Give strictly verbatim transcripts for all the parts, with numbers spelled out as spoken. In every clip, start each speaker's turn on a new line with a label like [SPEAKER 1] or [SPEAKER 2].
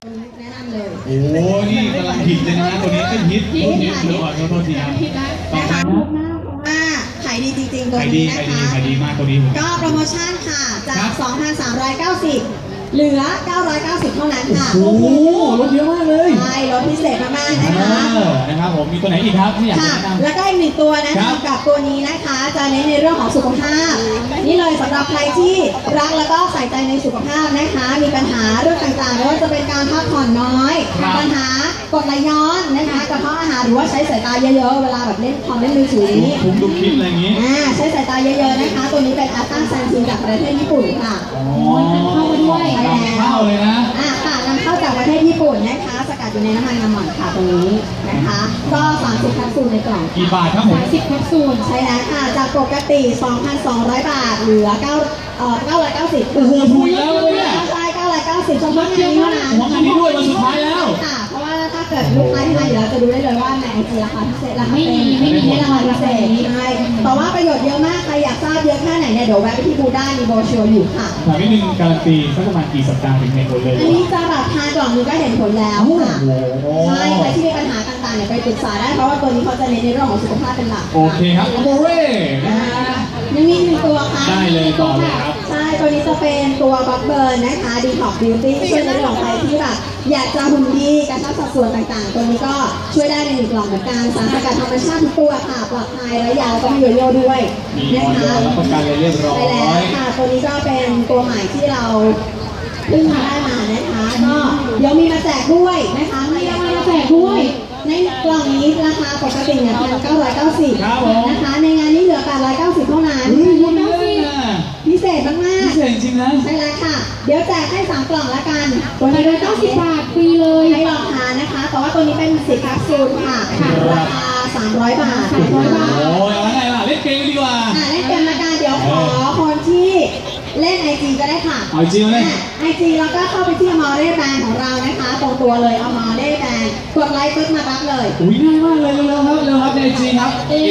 [SPEAKER 1] แนะนำเลย
[SPEAKER 2] โอ้นี่กำลังฮิตเลยนะตัวนี้ก็ฮิตฮิตฮิตเลยขอโทษทีครับ
[SPEAKER 1] นะคะว่าขายดีจริงๆตัวนี้นะคะ
[SPEAKER 2] ขายดีมากตัวนี้
[SPEAKER 1] ก็โปรโมชั่นค่ะจาก สองพันสามร้อยเก้าสิบ เหลือ เก้าร้อยเก้าสิบ เท่านั้นค่ะ
[SPEAKER 2] โอ้โหลดเยอะมากเลย
[SPEAKER 1] ใช่ลดพิเศษมากๆนะคะ
[SPEAKER 2] นะครับผมมีตัวไหนอีกครับที่อยากแนะนำ
[SPEAKER 1] แล้วก็อีกหนึ่งตัวนะคะกับตัวนี้นะคะจะเน้นในเรื่องของสุขภาพนี่เลยสำหรับใครที่รักแล้วก็ใส่ใจในสุขภาพนะคะมีปัญหาเรื่องต่างๆไม่ว่าจะเป็นการพักผ่อนน้อยปัญหากรดไหลย้อนนะคะกระเพาะอาหารหรือว่าใช้สายตาเยอะๆเวลาแบบเล่นคอมเล่นมือถือนี้
[SPEAKER 2] ผมดูคลิปอะไรอย่างนี้
[SPEAKER 1] ใช้สายตาเยอะๆนะคะตัวนี้เป็นอัลต้าแซนซินจากประเทศญี่ปุ่นค่ะ
[SPEAKER 2] นำเข้ามาด้วย
[SPEAKER 1] น
[SPEAKER 2] ำเข้าเลยนะ
[SPEAKER 1] อ่าค่ะนำเข้าจากประเทศญี่ปุ่นนะคะสกัดอยู่ในน้ำมันงาหม่อนค่ะตรงนี้นะคะก็สามสิบแคปซูลในกล่อง
[SPEAKER 2] กี่บาทครับผม
[SPEAKER 1] สามสิบแคปซูลใช่แล้วค่ะจากปกติ สองพันสองร้อย บาทเหลือ9เอ่อเก้าร้อยเก้าสิบ
[SPEAKER 2] โอ้โหถูกแล้วเลยเนี่ย
[SPEAKER 1] ใช่เก้าร้อยเก้าสิบเฉพาะงานนี้เท่านั้น
[SPEAKER 2] งานนี้ด้วยวันสุดท้ายแล้ว
[SPEAKER 1] ค่ะเพราะว่าถ้าเกิดลูกค้าที่มาอยู่แล้วจะดูได้เลยว่าในไอจีราคาพิเศษราคาไม่มีไม่มีราคาพิเศษใช่แต่ว่าประโยชน์เยอะมากใครอยากทราบเยอะแค่ไหนเนี่ยเดี๋ยวแวะไปที่บูธได้มีโบรชัวร์อยู่ค่ะ
[SPEAKER 2] ถามนิดนึงการันตีสักประมาณกี่สัปดาห์ถึงเห็นผลเลย
[SPEAKER 1] อันนี้จะแบบทานกล่องนึงก็เห็นผลแล้วค่ะใช่ใครที่มีปัญหาต่างๆเนี่ยไปปรึกษาได้เพราะว่าตัวนี้เขาจะเน้นในเรื่องของสุขภาพเป็นหลัก
[SPEAKER 2] โอเคครับโมเร่
[SPEAKER 1] ยังมีหนึ่งตัวค่ะ
[SPEAKER 2] ได้เลยต่อเลยครับ
[SPEAKER 1] ใช่ตัวนี้จะเป็นตัวบัคเบิร์นนะคะดีท็อกบิวตี้ช่วยในเรื่องของใครที่แบบอยากจะหุ่นดีกระชับสัดส่วนต่างๆตัวนี้ก็ช่วยได้ในหนึ่งกล่องเหมือนกันสารสกัดธรรมชาติทุกตัวค่ะปลอดภัยและยาวก็มีโยโย่ด้วย
[SPEAKER 2] นะคะรับประกันเลยเรียบร้อย
[SPEAKER 1] ใช่แล้วค่ะตัวนี้ก็เป็นตัวใหม่ที่เราเพิ่งมาได้มานะคะก็เดี๋ยวมีมาแจกด้วยนะคะมีรางวัลมาแจกด้วยในกล่องนี้ราคาปกติเนี่ยเพียงเก้าร้อยเก้าสิบนะคะในงานนี้เหลือแปดร้อยเก้าสิบเท่านั้นพิเศษมากๆ
[SPEAKER 2] พิเศษจริงนะ
[SPEAKER 1] ใช่แล้วค่ะเดี๋ยวแจกให้สามกล่องละกัน
[SPEAKER 3] ตัวนี้เก้าสิบบาทฟรีเลย
[SPEAKER 1] ให้ลองทานนะคะแต่ว่าตัวนี้เป็นสิบแคปซูลค่ะราคาสามร้อยบาท
[SPEAKER 3] สามร้อยบาท
[SPEAKER 2] โอ้ยแล้วไงล่ะเล่นเกมดีกว่า
[SPEAKER 1] เล่นเกมละกันเดี๋ยวขอคนที่เล่นไอจีก็ได้ค่ะ
[SPEAKER 2] ไอจีเลย
[SPEAKER 1] ไอจีแล้วก็เข้าไปที่อมอเร่แบรนด์ของเรานะคะตรงตัวเลยอมอเร่แบรนด์กดไลค์ปึ๊บมารับเลย
[SPEAKER 2] อุ้ยง่ายมากเลยเร็วๆครับเร็วครับในไอจีครับ A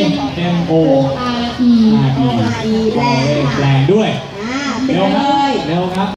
[SPEAKER 2] M O
[SPEAKER 1] R E แบรนด์ค่ะ
[SPEAKER 2] แบรนด์ด้วย
[SPEAKER 1] เร็ว
[SPEAKER 2] ครับเร็วครับ